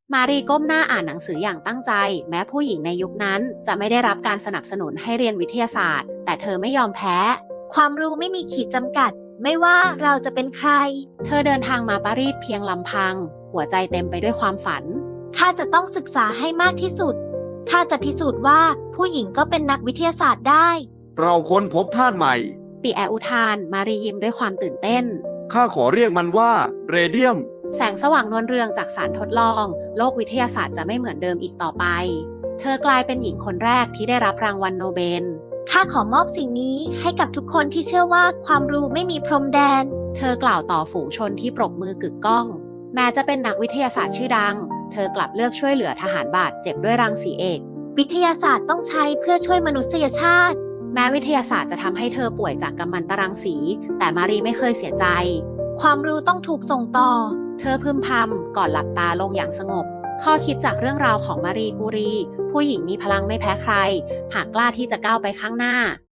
มารีก้มหน้าอ่านหนังสืออย่างตั้งใจแม้ผู้หญิงในยุคนั้นจะไม่ได้รับการสนับสนุนให้เรียนวิทยาศาสตร์แต่เธอไม่ยอมแพ้ความรู้ไม่มีขีดจำกัดไม่ว่าเราจะเป็นใครเธอเดินทางมาปารีสเพียงลำพังหัวใจเต็มไปด้วยความฝันข้าจะต้องศึกษาให้มากที่สุดข้าจะพิสูจน์ว่าผู้หญิงก็เป็นนักวิทยาศาสตร์ได้เราค้นพบธาตุใหม่ปิแออุทานมารียิ้มด้วยความตื่นเต้นข้าขอเรียกมันว่าเรเดียมแสงสว่างนวลเรืองจากสารทดลองโลกวิทยาศาสตร์จะไม่เหมือนเดิมอีกต่อไปเธอกลายเป็นหญิงคนแรกที่ได้รับรางวัลโนเบลข้าขอมอบสิ่งนี้ให้กับทุกคนที่เชื่อว่าความรู้ไม่มีพรมแดนเธอกล่าวต่อฝูงชนที่ปรบมือกึกก้องแม้จะเป็นนักวิทยาศาสตร์ชื่อดังเธอกลับเลือกช่วยเหลือทหารบาดเจ็บด้วยรังสีเอกวิทยาศาสตร์ต้องใช้เพื่อช่วยมนุษยชาติแม้วิทยาศาสตร์จะทำให้เธอป่วยจากกัมมันตรังสีแต่มารีไม่เคยเสียใจความรู้ต้องถูกส่งต่อเธอพึมพำก่อนหลับตาลงอย่างสงบข้อคิดจากเรื่องราวของมารีกูรีผู้หญิงมีพลังไม่แพ้ใครหากกล้าที่จะก้าวไปข้างหน้า